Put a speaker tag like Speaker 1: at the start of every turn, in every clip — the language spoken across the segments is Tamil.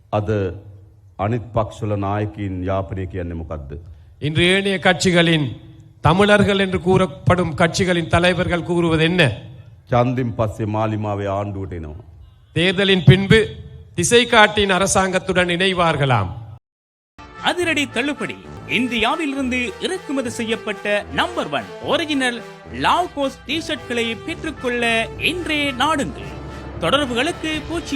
Speaker 1: අද අනිත් පක්ෂවල නායකයින් යාපනය කියන්නේ මොකද්ද?
Speaker 2: இன்று ஏனைய கட்சிகளின் தமிழர்கள் என்று கூறப்படும் கட்சிகளின் தலைவர்கள் கூறுவது என்ன?
Speaker 1: ඡන්දින් පස්සේ මාලිමාවේ ආණ්ඩුවට එනවා.
Speaker 2: தேர்தலின் பின்பு திசை காட்டின் அரசாங்கத்துடன் இணைவார்களாம்.
Speaker 3: அதிரடி தள்ளுபடி. இந்தியாவிலிருந்து இறக்குமதி செய்யப்பட்ட நம்பர் 1 ஒரிஜினல் லாவ்கோஸ் டி ஷர்ட்களை பெற்றுக்கொள்ள இன்றே நாடுங்கள். தொடர்புகளுக்கு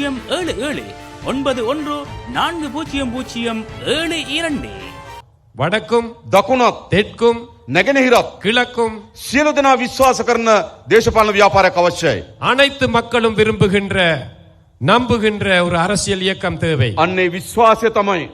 Speaker 3: 071914007
Speaker 2: வடக்கும்
Speaker 1: දකුණත්
Speaker 2: தெற்கும்
Speaker 1: නැගෙනහිරත්
Speaker 2: கிழக்கும்
Speaker 1: සියලු දෙනා විශ්වාස කරන දේශපාලන ව්‍යාපාරයක් අවශ්‍යයි.
Speaker 2: அனைத்து மக்களும் விரும்புகின்ற நம்புகின்ற ஒரு அரசியல் இயக்கம் தேவை.
Speaker 1: අන්නේ විශ්වාසය තමයි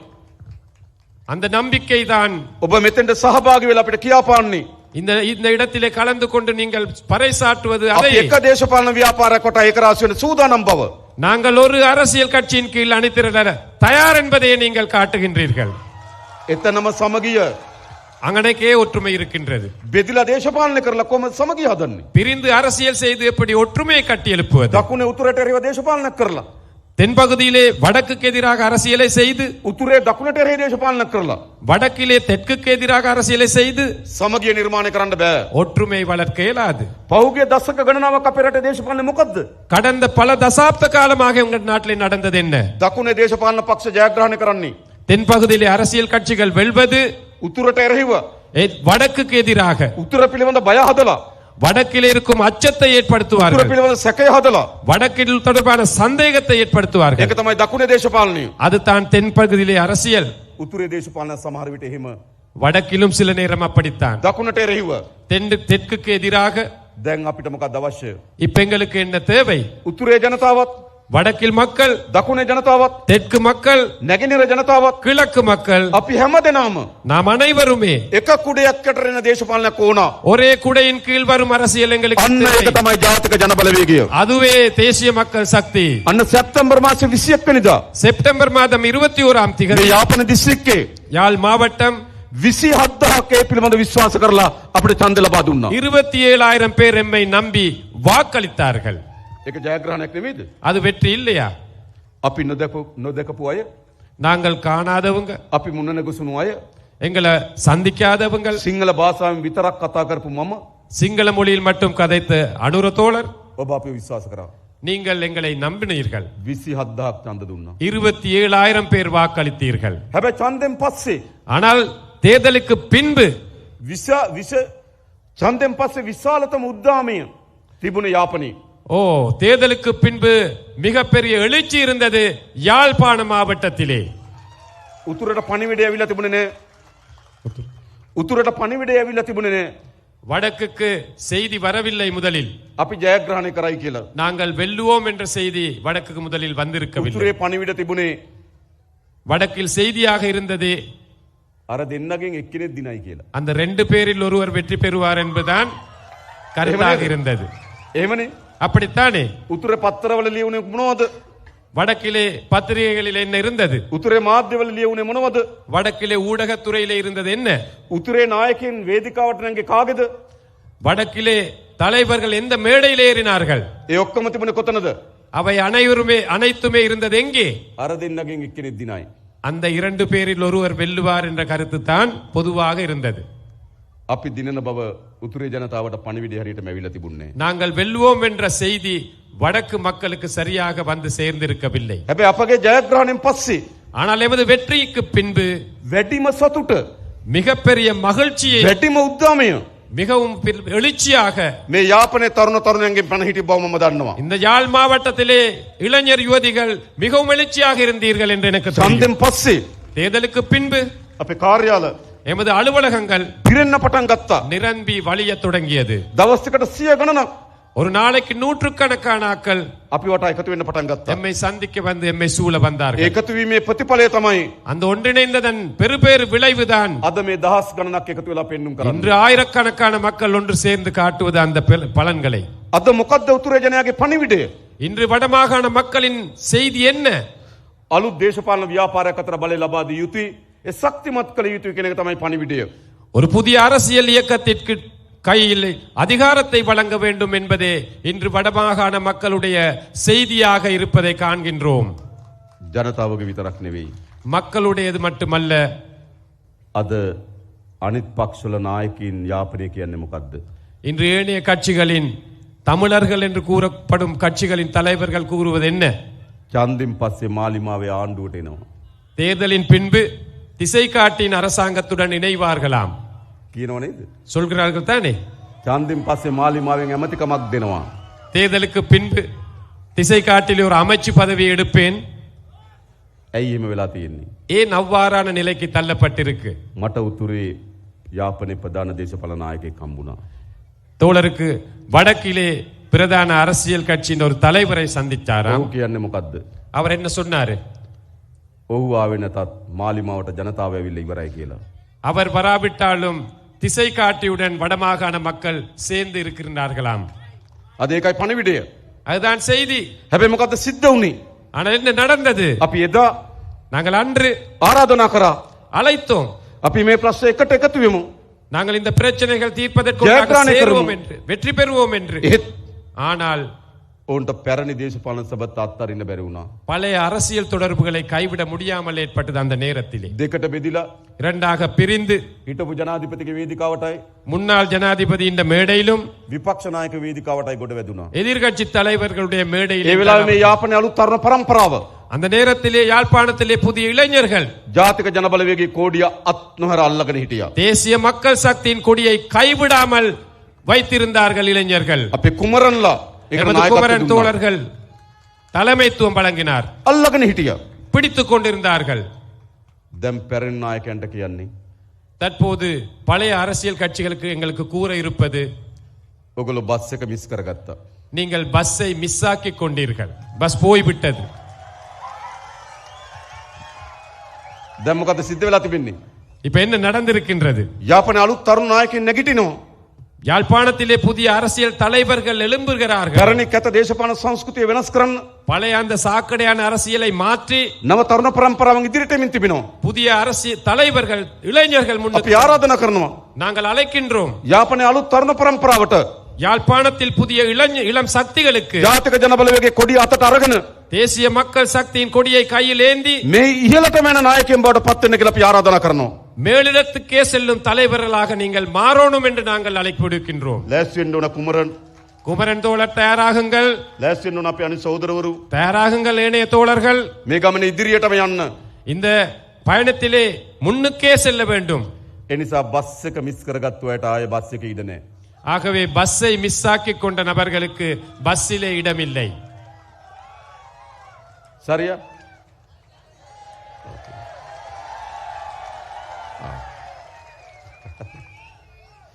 Speaker 2: அந்த நம்பிக்கை தான்
Speaker 1: ඔබ මෙතෙන්ට සහභාගී වෙලා අපිට කියාපාන්නේ.
Speaker 2: இந்த இடத்திலே கலந்து கொண்டு நீங்கள் பறைசாற்றுவது
Speaker 1: අපි
Speaker 2: அதை
Speaker 1: එක දේශපාලන ව්‍යාපාරයක් කොට ඒක රාශි වෙන සූදානම් බව.
Speaker 2: நாங்கள் ஒரு அரசியல் கட்சியின் கீழ் அணிதிரள தயார் என்பதையே நீங்கள் காட்டுகின்றீர்கள்.
Speaker 1: එතනම සමගිය
Speaker 2: அங்கனக்கே ஒற்றுமை இருக்கின்றது.
Speaker 1: බෙදිලා දේශපාලනය කරලා කොහොමද සමගිය හදන්නේ?
Speaker 2: பிரிந்து அரசியல் செய்து எப்படி ஒற்றுமையை கட்டி எழுப்புவது?
Speaker 1: දකුණේ උතුරට එරෙහිව දේශපාලනයක් කරලා
Speaker 2: தென்பகுதியிலே வடக்குக்கு எதிராக அரசியலை செய்து
Speaker 1: උතුරේ දකුණට එරෙහි දේශපාලනයක් කරලා
Speaker 2: வடக்கிலே தெற்குக்கு எதிராக அரசியலை செய்து
Speaker 1: සමගිය නිර්මාණය කරන්න බෑ.
Speaker 2: ஒற்றுமை வளர்க்க இயலாது.
Speaker 1: පහුගිය දශක ගණනාවක් අපේ රටේ දේශපාලනේ මොකද්ද?
Speaker 2: கடந்த பல தசாப்த காலமாக உங்கள் நாட்டிலே நடந்தது என்ன?
Speaker 1: දකුණේ දේශපාලන පක්ෂ ජයග්‍රහණය කරන්නේ
Speaker 2: தென்பகுதியிலே அரசியல் கட்சிகள் வெல்வது
Speaker 1: උතුරට එරෙහිව
Speaker 2: வடக்குக்கு எதிராக
Speaker 1: උතුර පිළිබඳ බය හදලා
Speaker 2: வடக்கில் இருக்கும் அச்சத்தை
Speaker 1: උතුර
Speaker 2: ஏற்படுத்துவார்கள்.
Speaker 1: පිළිබඳ සැකය හදලා
Speaker 2: வடக்கில் தொடர்பான சந்தேகத்தை ஏற்படுத்துவார்கள்.
Speaker 1: ඒක තමයි දකුණේ දේශපාලනය.
Speaker 2: அது தான் தென்பகுதியிலே அரசியல்.
Speaker 1: උතුරේ දේශපාලන සමහර විට එහෙම
Speaker 2: வடக்கிலும் சில நேரம் அப்படித்தான்.
Speaker 1: දකුණට එරෙහිව
Speaker 2: தெற்குக்கு எதிராக.
Speaker 1: දැන් අපිට මොකක්ද අවශ්‍ය?
Speaker 2: இப்ப எங்களுக்கு என்ன தேவை?
Speaker 1: උතුරේ ජනතාවත්
Speaker 2: வடக்கில் மக்கள்,
Speaker 1: දකුණේ ජනතාවත්
Speaker 2: தெற்கு மக்கள்,
Speaker 1: නැගෙනහිර ජනතාවත්
Speaker 2: கிழக்கு மக்கள்,
Speaker 1: අපි හැමදෙනාම
Speaker 2: நாம் அனைவருமே
Speaker 1: එක කුඩයක් යට එන දේශපාලනයක් ඕන.
Speaker 2: ஒரே குடையின் கீழ் வரும் அரசியல் எங்களுக்கு
Speaker 1: අන්න ඒක
Speaker 2: தேவை.
Speaker 1: තමයි ජාතික ජන බලවේගය.
Speaker 2: அதுவே தேசிய மக்கள் சக்தி.
Speaker 1: අන්න සැප්තැම්බර් මාසේ 21 වෙනිදා
Speaker 2: செப்டம்பர் மாதம் 21ஆம்
Speaker 1: මේ
Speaker 2: திகதி
Speaker 1: යාපන දිස්ත්‍රික්කේ
Speaker 2: யாழ் மாவட்டம்
Speaker 1: 27000ක් ඒ පිළිබඳ විශ්වාස කරලා අපිට ඡන්ද ලබා දුන්නා.
Speaker 2: 27,000 பேர் எம்மை நம்பி வாக்களித்தார்கள்.
Speaker 1: ඒක ජයග්‍රහණයක් නෙමෙයිද?
Speaker 2: அது வெற்றி இல்லையா?
Speaker 1: අපි නොදකපු අය,
Speaker 2: நாங்கள் காணாதவங்க,
Speaker 1: අපි මුණ නැගසුණු අය,
Speaker 2: எங்களை சந்திக்காதவங்க,
Speaker 1: සිංහල භාෂාවෙන් විතරක් කතා කරපු මම
Speaker 2: சிங்கள மொழியில் மட்டும் கதைத்த அனுர தோழர்,
Speaker 1: ඔබ අපිව විශ්වාස කරා.
Speaker 2: நீங்கள் எங்களை நம்பினீர்கள்.
Speaker 1: 27000ක් ඡන්ද දුන්නා.
Speaker 2: 27,000 பேர் வாக்களித்தீர்கள்.
Speaker 1: හැබැයි ඡන්දෙන් පස්සේ
Speaker 2: ஆனால் தேர்தலுக்கு பின்பு
Speaker 1: ඡන්දෙන් පස්සේ විශාලතම උද්දාමය තිබුණ යාපනයේ.
Speaker 2: தேர்தலுக்கு பின்பு மிகப்பெரிய எழுச்சி இருந்தது யாழ்ப்பாண மாவட்டத்திலே.
Speaker 1: උතුරට පණිවිඩය ඇවිල්ලා තිබුණේ නෑ. උතුරට පණිවිඩය ඇවිල්ලා තිබුණේ නෑ.
Speaker 2: வடக்குக்கு செய்தி வரவில்லை. முதலில்
Speaker 1: අපි ජයග්‍රහණය කරයි කියලා.
Speaker 2: நாங்கள் வெல்லுவோம் என்ற செய்தி வடக்குக்கு முதலில் வந்திருக்கவில்லை.
Speaker 1: උතුරේ පණිවිඩ තිබුණේ
Speaker 2: வடக்கில் செய்தியாக இருந்தது
Speaker 1: අර දෙන්නගෙන් එක්කෙනෙක් දිනයි කියලා.
Speaker 2: அந்த 2 பேரில் ஒருவர் வெற்றி பெறுவார் என்பதுதான் கருத்தாக இருந்தது.
Speaker 1: එහෙමනේ.
Speaker 2: அப்படித்தானே?
Speaker 1: උතුරේ පත්තරවල ලියුනේ මොනවද?
Speaker 2: வடக்கிலே பத்திரிகைகளில் என்ன இருந்தது?
Speaker 1: උතුරේ මාධ්‍යවල ලියුනේ මොනවද?
Speaker 2: வடக்கிலே ஊடகத்துறையிலே இருந்தது என்ன?
Speaker 1: උතුරේ නායකයන් වේදිකාවට නැංගේ කාගේද?
Speaker 2: வடக்கிலே தலைவர்கள் எந்த மேடையில் ஏறினார்கள்?
Speaker 1: ඒ ඔක්කොම තිබුණේ කොතනද?
Speaker 2: அவை அனைத்துமே இருந்தது எங்கே?
Speaker 1: අර දෙන්නගෙන් එක්කෙනෙක් දිනයි.
Speaker 2: அந்த 2 பேரில் ஒருவர் வெல்லுவார் என்ற கருத்து தான் பொதுவாக இருந்தது.
Speaker 1: අපි දිනන බව උතුරේ ජනතාවට පණිවිඩය හරියටම ඇවිල්ලා තිබුණේ.
Speaker 2: நாங்கள் வெல்லுவோம் என்ற செய்தி வடக்கு மக்களுக்கு சரியாக வந்து சேர்ந்திருக்கவில்லை.
Speaker 1: හැබැයි අපගේ ජයග්‍රහණයෙන් පස්සේ
Speaker 2: ஆனால் எமது வெற்றிக்கு பின்பு
Speaker 1: වැඩිම සතුට,
Speaker 2: மிகப்பெரிய மகிழ்ச்சியை,
Speaker 1: වැඩිම උද්දාමය
Speaker 2: மிகவும் எழுச்சியாக
Speaker 1: මේ යාපනයේ තරුණ තරුණයන්ගෙන් පණ හිටි බව මම දන්නවා.
Speaker 2: இந்த யாழ் மாவட்டத்திலே இளைஞர் யுவதிகள் மிகவும் எழுச்சியாக இருந்தீர்கள் என்று எனக்கு தெரியும்.
Speaker 1: ඡන්දෙන් පස්සේ
Speaker 2: தேர்தலுக்கு பின்பு
Speaker 1: අපේ කාර්යාල
Speaker 2: எமது அலுவலகங்கள்
Speaker 1: පිරෙන්න පටන් ගත්තා.
Speaker 2: நிரம்பி வழிய தொடங்கியது.
Speaker 1: දවස් එකට 100 ගණනක්
Speaker 2: ஒரு நாளைக்கு நூற்றுக்கணக்கான ஆட்கள்
Speaker 1: අපි වට එකතු වෙන්න පටන් ගත්තා.
Speaker 2: எம்மை சந்திக்க வந்து எம்மை சூழ வந்தார்கள்.
Speaker 1: එකතු වීමේ ප්‍රතිඵලය තමයි
Speaker 2: அந்த ஒன்றிணைந்ததன் பெருபேறு விளைவுதான்
Speaker 1: අද මේ දහස් ගණනක් එකතු වෙලා පෙන්눔 කරන්නේ.
Speaker 2: இன்று ஆயிரக்கணக்கான மக்கள் ஒன்று சேர்ந்து காட்டுவது அந்த பலன்களை.
Speaker 1: අද මොකද්ද උතුරේ ජනයාගේ පණිවිඩය?
Speaker 2: இன்று வடமாகாண மக்களின் செய்தி என்ன?
Speaker 1: අලුත් දේශපාලන ව්‍යාපාරයක් අතර බලය ලබා දී යුතුයි. ඒ ශක්තිමත් කළ යුතුයි කියන එක තමයි පණිවිඩය.
Speaker 2: ஒரு புதிய அரசியல் இயக்கத்திற்கு கையில் அதிகாரத்தை வழங்க வேண்டும் என்பதே இன்று வடமாகாண மக்களுடைய செய்தியாக இருப்பதை காண்கின்றோம்.
Speaker 1: ජනතාවගේ විතරක් නෙවෙයි.
Speaker 2: மக்களுடையது மட்டுமல்ல.
Speaker 1: අද අනිත් පක්ෂවල නායකයින් යාපනය කියන්නේ මොකද්ද?
Speaker 2: இன்று ஏனைய கட்சிகளின் தமிழர்கள் என்று கூறப்படும் கட்சிகளின் தலைவர்கள் கூறுவது என்ன?
Speaker 1: ඡන්දින් පස්සේ මාලිමාවේ ආණ්ඩුවට එනවා.
Speaker 2: தேர்தலின் பின்பு திசை காட்டின் அரசாங்கத்துடன் இணைவார்களாம்.
Speaker 1: කියනව නේද?
Speaker 2: சொல்கிறார்கள் தானே?
Speaker 1: ඡන්දින් පස්සේ මාලිමාවෙන් ඇමතිකමක් දෙනවා.
Speaker 2: தேர்தலுக்கு பின்பு திசை காட்டிலே ஒரு அமைச்சு பதவியை எடுப்பேன்.
Speaker 1: ඇයි එහෙම වෙලා තියෙන්නේ?
Speaker 2: ஏன் அவ்வாறான நிலைக்கு தள்ளப்பட்டிருக்கு?
Speaker 1: මට උතුරේ යාපනයේ ප්‍රධාන දේශපාලන නායකයෙක් හම්බුණා.
Speaker 2: தோழருக்கு வடக்கிலே பிரதான அரசியல் கட்சியின் ஒரு தலைவரை சந்தித்தாராம்.
Speaker 1: ඔහු කියන්නේ මොකද්ද?
Speaker 2: அவர் என்ன சொன்னாரு?
Speaker 1: ඔහු ආවේ නැතත් මාලිමාවට ජනතාව ඇවිල්ලා ඉවරයි කියලා.
Speaker 2: அவர் வராவிட்டாலும் திசை காட்டியுடன் வடமாகாண மக்கள் சேர்ந்து இருக்கின்றார்களாம்.
Speaker 1: අද ඒකයි පණිවිඩය.
Speaker 2: அதுதான் செய்தி.
Speaker 1: හැබැයි මොකද්ද සිද්ධ වුනේ?
Speaker 2: ஆனால் என்ன நடந்தது?
Speaker 1: අපි එදා
Speaker 2: நாங்கள் அன்று
Speaker 1: ආරාධනා කරා.
Speaker 2: அழைத்தோம்.
Speaker 1: අපි මේ ප්‍රශ්න එකට එකතු වෙමු.
Speaker 2: நாங்கள் இந்த பிரச்சனைகள் தீர்ப்பதற்கு
Speaker 1: ஜெயபிரகாஷ்
Speaker 2: சேருவோம்
Speaker 1: கருமு.
Speaker 2: என்று வெற்றி பெறுவோம் என்று.
Speaker 1: ඒත්
Speaker 2: ஆனால்
Speaker 1: ඔවුන්ට පැරණි දේශපාලන සභත් අත්හරින්න බැරි වුණා.
Speaker 2: பழைய அரசியல் தொடர்புகளை கைவிட முடியாமல் ஏற்பட்டது அந்த நேரத்திலே.
Speaker 1: දෙකට බෙදිලා
Speaker 2: இரண்டாக பிரிந்து
Speaker 1: හිටපු ජනාධිපතිගේ වේදිකාවටයි
Speaker 2: முன்னாள் ஜனாதிபதி இந்த மேடையிலும்
Speaker 1: විපක්ෂ නායක වේදිකාවටයි ගොඩ වැදුණා.
Speaker 2: எதிர்கட்சி தலைவர்களுடைய
Speaker 1: ඒ
Speaker 2: மேடையிலும்
Speaker 1: වෙලාවේ මේ යාපනයේ අලුත් තරුණ පරම්පරාව
Speaker 2: அந்த நேரத்திலே யாழ்ப்பாணத்திலே புதிய இளைஞர்கள்
Speaker 1: ජාතික ජනබලවේගයේ කෝඩිය අත් නොහැර අල්ලගෙන හිටියා.
Speaker 2: தேசிய மக்கள் சக்தியின் கொடியை கைவிடாமல் வைத்திருந்தார்கள் இளைஞர்கள்.
Speaker 1: අපේ කුමරන්ලා ඒකට
Speaker 2: எமது
Speaker 1: නායකත්වය
Speaker 2: குமரன்
Speaker 1: දුන්නා.
Speaker 2: தோழர்கள் தலைமைத்துவம் வழங்கினார்.
Speaker 1: අල්ලගෙන හිටියා.
Speaker 2: பிடித்துக் கொண்டிருந்தார்கள்.
Speaker 1: දැන් පැරණි නායකයන්ට කියන්නේ
Speaker 2: தற்போது பழைய அரசியல் கட்சிகளுக்கு எங்களுக்கு கூற இருப்பது,
Speaker 1: ඔගොල්ලෝ බස් එක මිස් කරගත්තා.
Speaker 2: நீங்கள் பஸ்ஸை மிஸ் ஆக்கிக் கொண்டீர்கள். பஸ் போய்விட்டது.
Speaker 1: දැන් මොකද සිද්ධ වෙලා තිබෙන්නේ?
Speaker 2: இப்ப என்ன நடந்திருக்கின்றது?
Speaker 1: යාපනයේ අලුත් තරුණ නායකයන් නැගිටිනවා.
Speaker 2: யாழ்ப்பாணத்திலே புதிய அரசியல் தலைவர்கள் எழும்புகிறார்கள்.
Speaker 1: පැරණි කැත දේශපාලන සංස්කෘතිය වෙනස් කරන්න
Speaker 2: பழைய அந்த சாக்கடையான அரசியலை மாற்றி
Speaker 1: නව තරුණ පරම්පරාවන් ඉදිරියට එමින් තිබෙනවා.
Speaker 2: புதிய அரசியல் தலைவர்கள் இளைஞர்கள்
Speaker 1: අපි
Speaker 2: முன்னுக்கு
Speaker 1: ආරාධනා කරනවා.
Speaker 2: நாங்கள் அழைக்கின்றோம்.
Speaker 1: යාපනයේ අලුත් තරුණ පරම්පරාවට
Speaker 2: யாழ்ப்பாணத்தில் புதிய இளம் சக்திகளுக்கு
Speaker 1: ජාතික ජනබලවේගයේ කොඩිය අතට අරගෙන
Speaker 2: தேசிய மக்கள் சக்தியின் கொடியை கையில் ஏந்தி
Speaker 1: මේ ඉහළටම යන නායකයන් බවට පත් වෙන්න කියලා අපි ආරාධනා කරනවා.
Speaker 2: மேலிடத்துக்கே செல்லும் தலைவர்களாக நீங்கள் மாறணும் என்று நாங்கள் அழைப்பு விடுக்கின்றோம்.
Speaker 1: ලෑස්ති වෙන්න ඕන කුමරන්.
Speaker 2: குமரன் தோழர் தயாராகுங்கள்.
Speaker 1: ලෑස්ති වෙන්න ඕන අපේ අනිත් සහෝදරවරු.
Speaker 2: தயாராகுங்கள் ஏனைய தோழர்கள்.
Speaker 1: මේ ගමනේ ඉදිරියටම යන්න.
Speaker 2: இந்த பயணத்திலே முன்னுக்கே செல்ல வேண்டும்.
Speaker 1: ඒ නිසා බස් එක මිස් කරගත්තු අයට ආයේ බස් එකේ ඉඩ නැහැ.
Speaker 2: ஆகவே பஸ்ஸை மிஸ் ஆக்கிக் கொண்ட நபர்களுக்கு பஸ்ஸிலே இடமில்லை.
Speaker 1: சரியா?